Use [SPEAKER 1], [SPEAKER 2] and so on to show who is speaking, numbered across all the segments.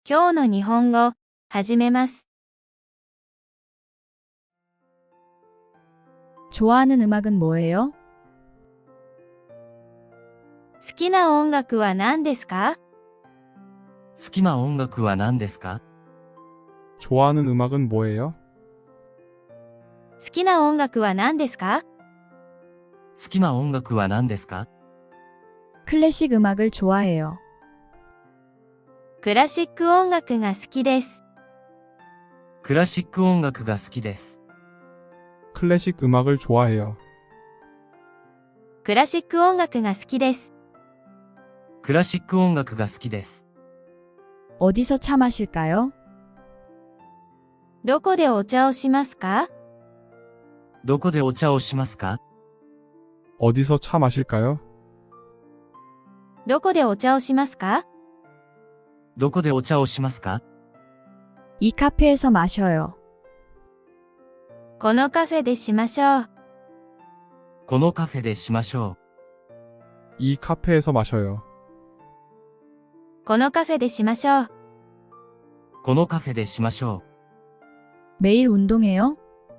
[SPEAKER 1] 今日の日本語、始めます。
[SPEAKER 2] 좋아하는 음악은 뭐예요?
[SPEAKER 1] 好きな音楽は何ですか？
[SPEAKER 3] 好きな音楽は何ですか？
[SPEAKER 4] 좋아하는 음악은 뭐예요?
[SPEAKER 1] 好きな音楽は何ですか？
[SPEAKER 3] 好きな音楽は何ですか？
[SPEAKER 2] 클래식 음악을 좋아해요.
[SPEAKER 1] クラシック音楽が好きです。
[SPEAKER 3] クラシック音楽が好きです。
[SPEAKER 4] 클래식 음악을 좋아해요.
[SPEAKER 1] クラシック音楽が好きです。
[SPEAKER 3] クラシック音楽が好きです。
[SPEAKER 2] 어디서 차 마실까요?
[SPEAKER 1] どこでお茶をしますか？
[SPEAKER 3] どこでお茶をしますか？
[SPEAKER 4] 어디서 차 마실까요?
[SPEAKER 1] どこでお茶をしますか？
[SPEAKER 3] どこでお茶をしますか？
[SPEAKER 2] 이 카페에서 마셔요.
[SPEAKER 1] このカフェでしましょう。
[SPEAKER 3] このカフェでしましょ
[SPEAKER 4] 이 카페에서 마셔요.
[SPEAKER 1] このカフェでしましょう。
[SPEAKER 3] う。このカフェでしましょ
[SPEAKER 2] 매일 운동해요?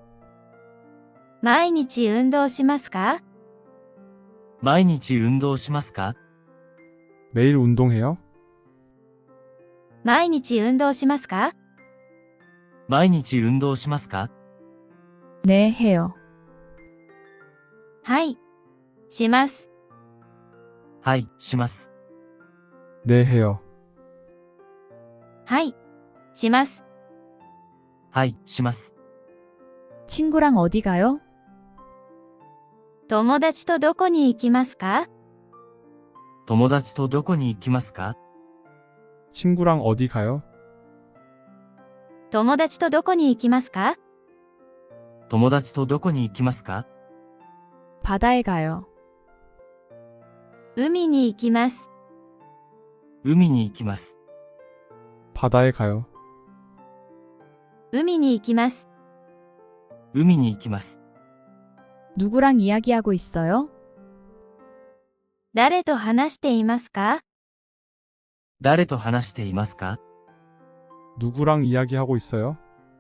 [SPEAKER 1] 毎日運動しますか？
[SPEAKER 3] う。毎日運動しますか？
[SPEAKER 4] 매일 운동해요?
[SPEAKER 1] 毎日運動しますか？
[SPEAKER 3] 毎日運動しますか？
[SPEAKER 2] 네, 해요.
[SPEAKER 1] はい。します。
[SPEAKER 3] はい、します。
[SPEAKER 4] 네, 해요.
[SPEAKER 1] はい。します。
[SPEAKER 3] はい、します。
[SPEAKER 2] 친구랑 어디 가요?
[SPEAKER 1] 友達とどこに行きますか？
[SPEAKER 3] 友達とどこに行きますか？
[SPEAKER 4] 친구랑 어디 가요?
[SPEAKER 1] 友達とどこに行きますか？
[SPEAKER 3] 友達とどこに行きますか？
[SPEAKER 2] 바다에 가요.
[SPEAKER 1] 海に行きます。
[SPEAKER 3] 海に行きます。
[SPEAKER 4] 바다에 가요.
[SPEAKER 1] 海に行きます。
[SPEAKER 3] 海に行きます。
[SPEAKER 2] 누구랑 이야기하고 있어요?
[SPEAKER 1] 誰と話していますか？
[SPEAKER 3] 誰と話していますか？
[SPEAKER 4] 누구랑 이야기하고 있어요?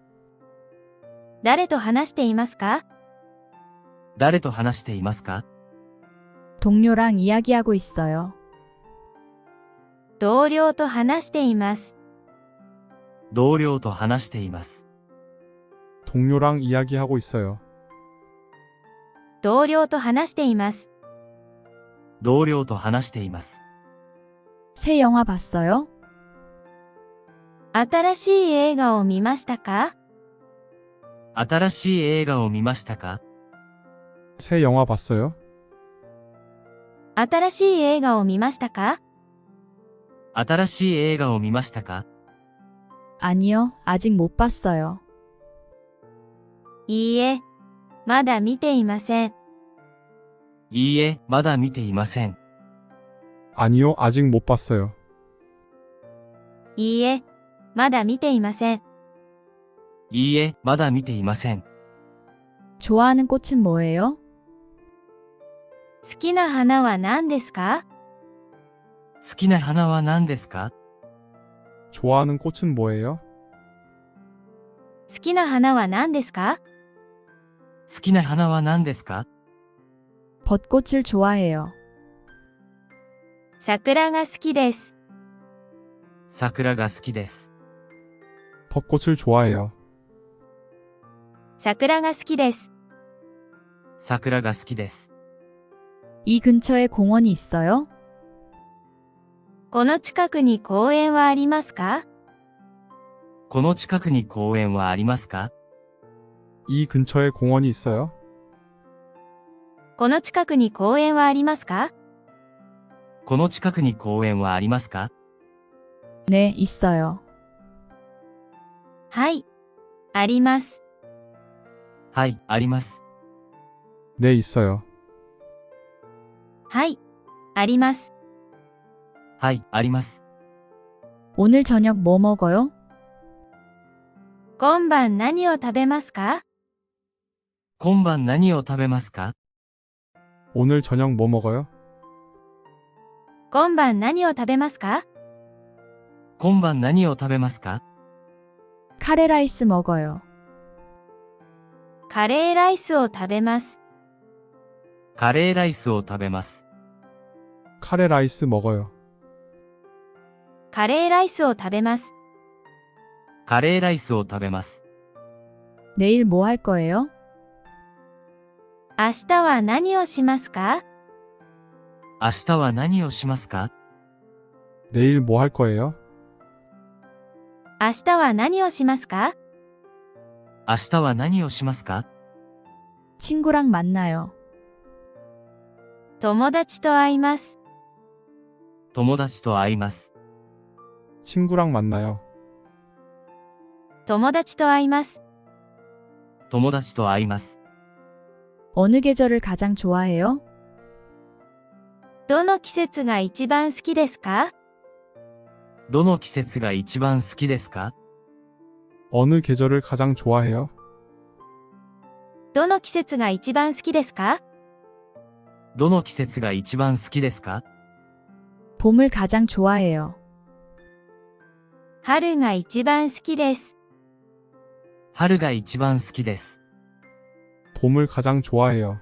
[SPEAKER 1] 誰と話していますか？
[SPEAKER 3] 誰と話していますか？
[SPEAKER 2] 동료랑 이야기하고 있어요.
[SPEAKER 1] 同僚と話しています。
[SPEAKER 3] 同僚と話しています。
[SPEAKER 4] 동료랑 이야기하고 있어요.
[SPEAKER 1] 同僚と話しています。
[SPEAKER 3] 同僚と話しています。
[SPEAKER 2] 새 영화 봤어요?
[SPEAKER 1] 新しい映画を見ましたか？
[SPEAKER 3] 新しい映画を見ましたか？
[SPEAKER 4] 새 영화 봤어요?
[SPEAKER 1] 新しい映画を見ましたか？
[SPEAKER 3] 新しい映画を見ましたか？
[SPEAKER 2] 아니요, 아직 못 봤어요.
[SPEAKER 1] いいえ、まだ見ていません。
[SPEAKER 3] いいえ、まだ見ていません。
[SPEAKER 4] 아니요, 아직 못 봤어요.
[SPEAKER 1] いいえ、まだ見ていません。
[SPEAKER 3] いいえ、まだ見ていません。
[SPEAKER 2] 좋아하는 꽃은 뭐예요?
[SPEAKER 1] 好きな花は何ですか？
[SPEAKER 3] 好きな花は何ですか？
[SPEAKER 4] 좋아하는 꽃은 뭐예요?
[SPEAKER 1] 好きな花は何ですか？
[SPEAKER 3] 好きな花は何ですか？
[SPEAKER 2] 벚꽃을 좋아해요.
[SPEAKER 1] 桜が好きです。
[SPEAKER 3] 桜が好きです。
[SPEAKER 4] 벚꽃을 좋아해요.
[SPEAKER 1] 桜が好きです。
[SPEAKER 3] 桜が好きです。
[SPEAKER 2] 이 근처에 공원이 있어요?
[SPEAKER 1] この近くに公園はありますか？
[SPEAKER 3] この近くに公園はありますか？
[SPEAKER 4] 이 근처에 공원이 있어요?
[SPEAKER 1] この近くに公園はありますか？
[SPEAKER 3] この近くに公園はありますか？
[SPEAKER 2] 네, 있어요.
[SPEAKER 1] はい。あります。
[SPEAKER 3] はい、あります。
[SPEAKER 4] 네, 있어요.
[SPEAKER 1] はい。あります。
[SPEAKER 3] はい、あります。
[SPEAKER 2] 오늘 저녁 뭐 먹어요?
[SPEAKER 1] 今晩何を食べますか？
[SPEAKER 3] 今晩何を食べますか？
[SPEAKER 4] 오늘 저녁 뭐 먹어요?
[SPEAKER 1] 今晩何を食べますか？
[SPEAKER 3] 今晩何を食べますか？
[SPEAKER 2] 카레라이스 먹어요.
[SPEAKER 1] カレーライスを食べます。
[SPEAKER 3] カレーライスを食べます。
[SPEAKER 4] 카레 라이스 먹어요.
[SPEAKER 1] カレーライスを食べます。
[SPEAKER 3] カレーライスを食べます。
[SPEAKER 2] 내일 뭐 할 거예요?
[SPEAKER 1] 明日は何をしますか？
[SPEAKER 3] 明日は何をしますか？
[SPEAKER 4] 내일 뭐 할 거예요?
[SPEAKER 1] 明日は何をしますか？
[SPEAKER 3] 明日は何をしますか？
[SPEAKER 2] 친구랑 만나요.
[SPEAKER 1] 友達と会います。
[SPEAKER 3] 友達と会います。
[SPEAKER 4] 친구랑 만나요.
[SPEAKER 1] 友達と会います。
[SPEAKER 3] 友達と会います。
[SPEAKER 2] 어느 계절을 가장 좋아해요?
[SPEAKER 1] どの季節が一番好きですか？
[SPEAKER 3] どの季節が一番好きですか？
[SPEAKER 4] 어느 계절을 가장 좋아해요?
[SPEAKER 1] どの季節が一番好きですか？
[SPEAKER 3] どの季節が一番好きですか？
[SPEAKER 2] 봄을 가장 좋아해요.
[SPEAKER 1] 春が一番好きです。
[SPEAKER 3] 春が一番好きです。
[SPEAKER 4] 봄을 가장 좋아해요.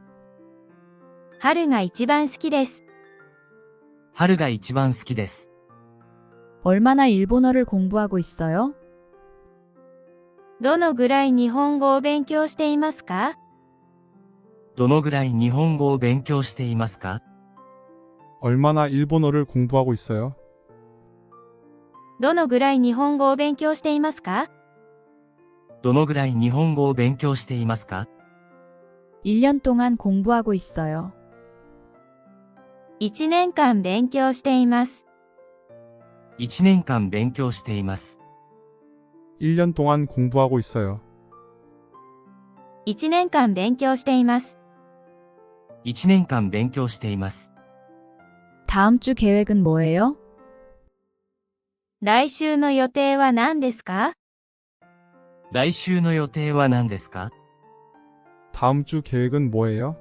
[SPEAKER 1] 春が一番好きです。
[SPEAKER 3] 春が一番好きです。
[SPEAKER 2] 얼마나 일본어를 공부하고 있어요?
[SPEAKER 1] どのぐらい日本語を勉強していますか？
[SPEAKER 3] どのぐらい日本語を勉強していますか？
[SPEAKER 4] 얼마나 일본어를 공부하고 있어요?
[SPEAKER 1] どのぐらい日本語を勉強していますか？
[SPEAKER 3] どのぐらい日本語を勉強していますか？
[SPEAKER 2] 1년 동안 공부하고 있어요.
[SPEAKER 1] 1年間勉強しています。
[SPEAKER 3] 1年間勉強しています。
[SPEAKER 4] 1년 동안 공부하고 있어요.
[SPEAKER 1] 1年間勉強しています。
[SPEAKER 3] 1年間勉強しています。
[SPEAKER 2] 다음 주 계획은 뭐예요?
[SPEAKER 1] 来週の予定は何ですか？
[SPEAKER 3] 来週の予定は何ですか？
[SPEAKER 4] 다음 주 계획은 뭐예요?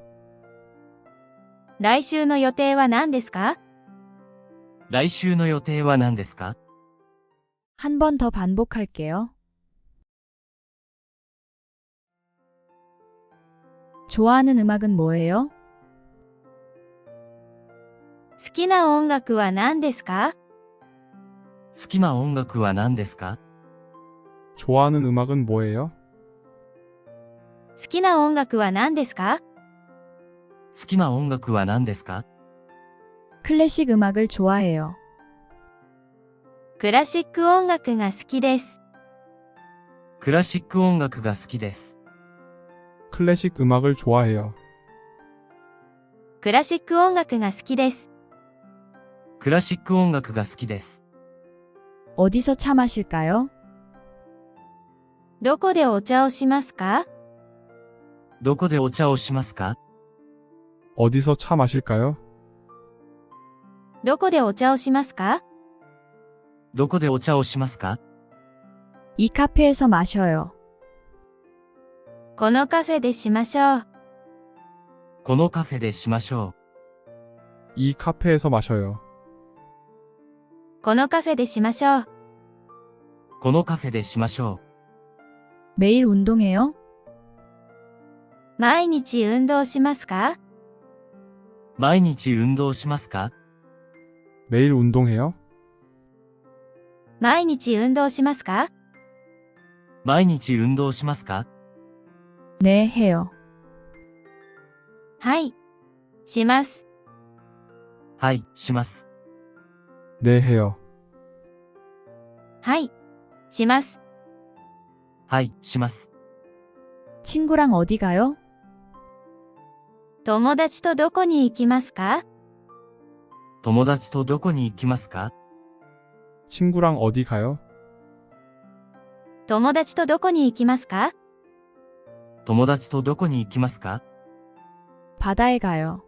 [SPEAKER 1] 来週の予定は何ですか？
[SPEAKER 3] 来週の予定は何ですか？
[SPEAKER 2] 한 번 더 반복할게요. 좋아하는 음악은 뭐예요?
[SPEAKER 1] 好きな音楽は何ですか？
[SPEAKER 3] 好きな音楽は何ですか？
[SPEAKER 4] 좋아하는 음악은 뭐예요?
[SPEAKER 1] 好きな音楽は何ですか？
[SPEAKER 3] 好きな音楽は何ですか？
[SPEAKER 2] 클래식 음악을 좋아해요.
[SPEAKER 1] クラシック音楽が好きです。
[SPEAKER 3] クラシック音楽が好きです。
[SPEAKER 4] 클래식 음악을 좋아해요.
[SPEAKER 1] クラシック音楽が好きです。
[SPEAKER 3] クラシック音楽が好きです。
[SPEAKER 2] 어디서 차 마실까요?
[SPEAKER 1] どこでお茶をしますか？
[SPEAKER 3] どこでお茶をしますか？
[SPEAKER 4] 어디서 차 마실까요?
[SPEAKER 1] どこでお茶をしますか？
[SPEAKER 3] どこでお茶をしますか？
[SPEAKER 2] 이 카페에서 마셔요.
[SPEAKER 1] このカフェでしましょう。
[SPEAKER 3] このカフェでしましょ
[SPEAKER 4] 이 카페에서 마셔요.
[SPEAKER 1] このカフェでしましょう。
[SPEAKER 3] う。このカフェでしましょ
[SPEAKER 2] 매일 운동해요?
[SPEAKER 1] 毎日運動しますか？
[SPEAKER 3] う。毎日運動しますか？
[SPEAKER 4] 매일 운동해요?
[SPEAKER 1] 毎日運動しますか？
[SPEAKER 3] 毎日運動しますか？
[SPEAKER 2] 네, 해요.
[SPEAKER 1] はい。します。
[SPEAKER 3] はい、します。
[SPEAKER 4] 네, 해요.
[SPEAKER 1] はい。します。
[SPEAKER 3] はい、します。
[SPEAKER 2] 친구랑 어디 가요?
[SPEAKER 1] 友達とどこに行きますか？
[SPEAKER 3] 友達とどこに行きますか？
[SPEAKER 4] 친구랑 어디 가요?
[SPEAKER 1] 友達とどこに行きますか？
[SPEAKER 3] 友達とどこに行きますか？
[SPEAKER 2] 바다에 가요.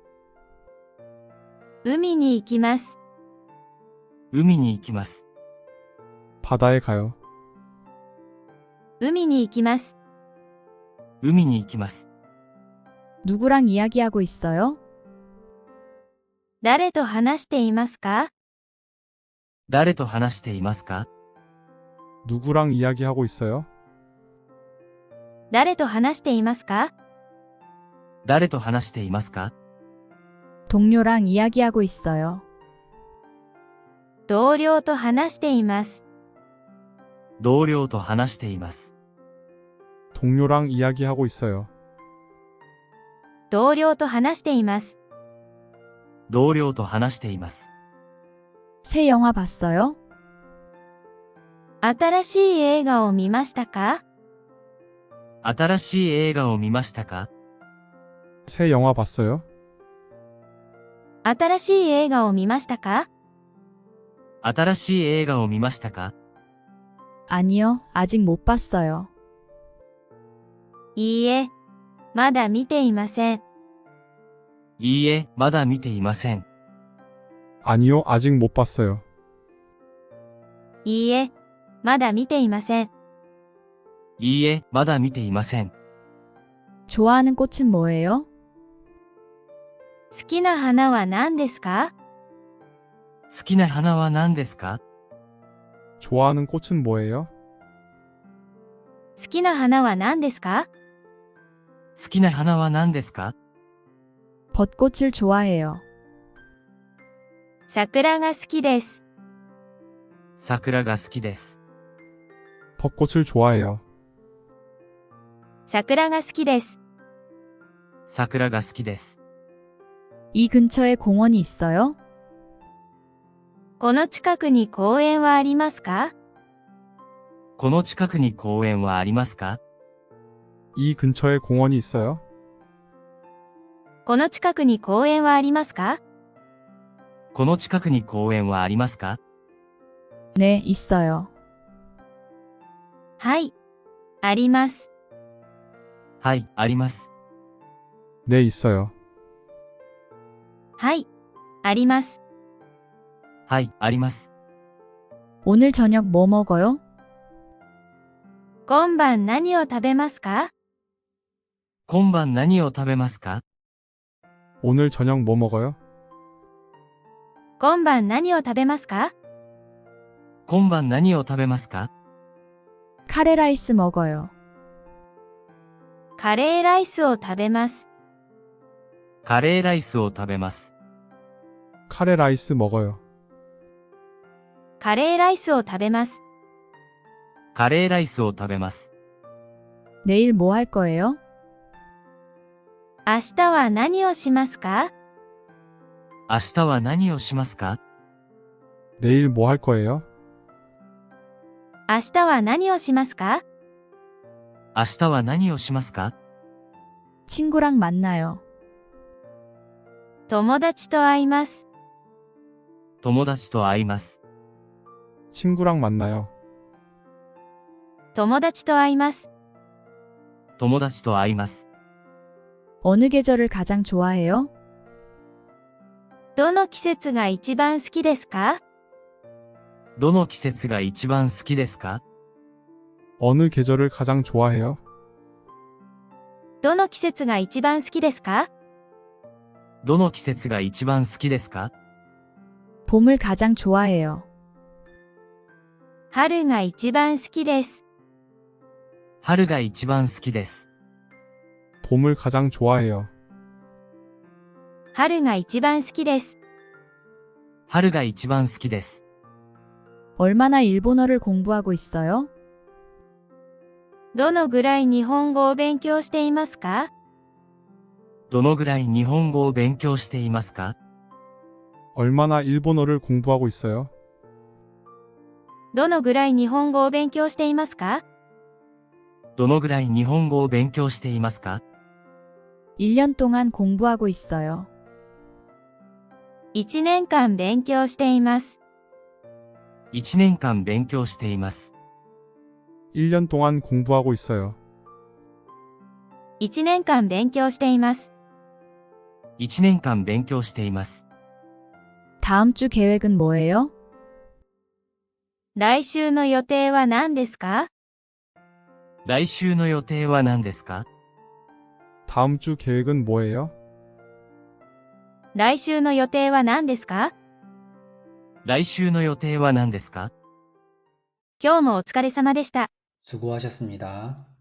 [SPEAKER 1] 海に行きます。
[SPEAKER 3] 海に行きます。
[SPEAKER 4] 바다에 가요.
[SPEAKER 1] 海に行きます。
[SPEAKER 3] 海に行きます。
[SPEAKER 2] 누구랑 이야기하고 있어요?
[SPEAKER 1] 誰と話していますか？
[SPEAKER 3] 誰と話していますか？
[SPEAKER 4] 누구랑 이야기하고 있어요?
[SPEAKER 1] 誰と話していますか？
[SPEAKER 3] 誰と話していますか？
[SPEAKER 2] 동료랑 이야기하고 있어요.
[SPEAKER 1] 同僚と話しています。
[SPEAKER 3] 同僚と話しています。
[SPEAKER 4] 동료랑 이야기하고 있어요.
[SPEAKER 1] 同僚と話しています。
[SPEAKER 3] 同僚と話しています。
[SPEAKER 2] 새 영화 봤어요?
[SPEAKER 1] 新しい映画を見ましたか？
[SPEAKER 3] 新しい映画を見ましたか？
[SPEAKER 4] 새 영화 봤어요?
[SPEAKER 1] 新しい映画を見ましたか？
[SPEAKER 3] 新しい映画を見ましたか？
[SPEAKER 2] 아니요, 아직 못 봤어요.
[SPEAKER 1] いいえ、まだ見ていません。
[SPEAKER 3] いいえ、まだ見ていません。
[SPEAKER 4] 아니요, 아직 못 봤어요.
[SPEAKER 1] いいえ、まだ見ていません。
[SPEAKER 3] いいえ、まだ見ていません。
[SPEAKER 2] 좋아하는 꽃은 뭐예요?
[SPEAKER 1] 好きな花は何ですか？
[SPEAKER 3] 好きな花は何ですか？
[SPEAKER 4] 좋아하는 꽃은 뭐예요?
[SPEAKER 1] 好きな花は何ですか？
[SPEAKER 3] 好きな花は何ですか？
[SPEAKER 2] 벚꽃을 좋아해요.
[SPEAKER 1] 桜が好きです。
[SPEAKER 3] 桜が好きです。
[SPEAKER 4] 벚꽃을 좋아해요.
[SPEAKER 1] 桜が好きです。
[SPEAKER 3] 桜が好きです。
[SPEAKER 2] 이 근처에 공원이 있어요?
[SPEAKER 1] この近くに公園はありますか？
[SPEAKER 3] この近くに公園はありますか？
[SPEAKER 4] 이 근처에 공원이 있어요?
[SPEAKER 1] この近くに公園はありますか？
[SPEAKER 3] この近くに公園はありますか？
[SPEAKER 2] 네, 있어요.
[SPEAKER 1] はい、あります。
[SPEAKER 3] はい、あります。
[SPEAKER 4] 네, 있어요.
[SPEAKER 1] はい、あります。
[SPEAKER 3] はい、あります。
[SPEAKER 2] 오늘 저녁 뭐 먹어요?
[SPEAKER 1] 今晩何を食べますか？
[SPEAKER 3] 今晩何を食べますか？
[SPEAKER 4] 오늘 저녁 뭐 먹어요?
[SPEAKER 1] 今晩何を食べますか？
[SPEAKER 3] 今晩何を食べますか？
[SPEAKER 2] 카레라이스 먹어요.
[SPEAKER 1] カレーライスを食べます。
[SPEAKER 3] カレーライスを食べます。
[SPEAKER 4] 카레 라이스 먹어요.
[SPEAKER 1] カレーライスを食べます。
[SPEAKER 3] カレーライスを食べます。
[SPEAKER 2] 내일 뭐 할 거예요?
[SPEAKER 1] 明日は何をしますか？
[SPEAKER 3] 明日は何をしますか？
[SPEAKER 4] 내일 뭐 할 거예요?
[SPEAKER 1] 明日は何をしますか？
[SPEAKER 3] 明日は何をしますか？
[SPEAKER 2] 친구랑 만나요.
[SPEAKER 1] 友達と会います。
[SPEAKER 3] 友達と会います。
[SPEAKER 4] 친구랑 만나요.
[SPEAKER 1] 友達と会います。
[SPEAKER 3] 友達と会います。
[SPEAKER 2] 어느 계절을 가장 좋아해요?
[SPEAKER 1] どの季節が一番好きですか？
[SPEAKER 3] どの季節が一番好きですか？
[SPEAKER 4] 어느 계절을 가장 좋아해요?
[SPEAKER 1] どの季節が一番好きですか？
[SPEAKER 3] どの季節が一番好きですか？
[SPEAKER 2] 봄을 가장 좋아해요.
[SPEAKER 1] 春が一番好きです。
[SPEAKER 3] 春が一番好きです。
[SPEAKER 4] 봄을 가장 좋아해요.
[SPEAKER 1] 春が一番好きです。
[SPEAKER 3] 春が一番好きです。
[SPEAKER 2] 얼마나 일본어를 공부하고 있어요?
[SPEAKER 1] どのぐらい日本語を勉強していますか？
[SPEAKER 3] どのぐらい日本語を勉強していますか？
[SPEAKER 4] 얼마나 일본어를 공부하고 있어요?
[SPEAKER 1] どのぐらい日本語を勉強していますか？
[SPEAKER 3] どのぐらい日本語を勉強していますか？
[SPEAKER 2] 1년 동안 공부하고 있어요.
[SPEAKER 1] 1年間勉強しています。
[SPEAKER 3] 1年間勉強しています。
[SPEAKER 4] 1년 동안 공부하고 있어요.
[SPEAKER 1] 1年間勉強しています。
[SPEAKER 3] 1年間勉強しています。
[SPEAKER 2] 다음 주 계획은 뭐예요?
[SPEAKER 1] 来週の予定は何ですか？
[SPEAKER 3] 来週の予定は何ですか？
[SPEAKER 4] 다음 주 계획은 뭐예요?
[SPEAKER 1] 来週の予定は何ですか？
[SPEAKER 3] 来週の予定は何ですか？
[SPEAKER 1] 今日もお疲れ様でした。
[SPEAKER 5] 수고하셨습니다.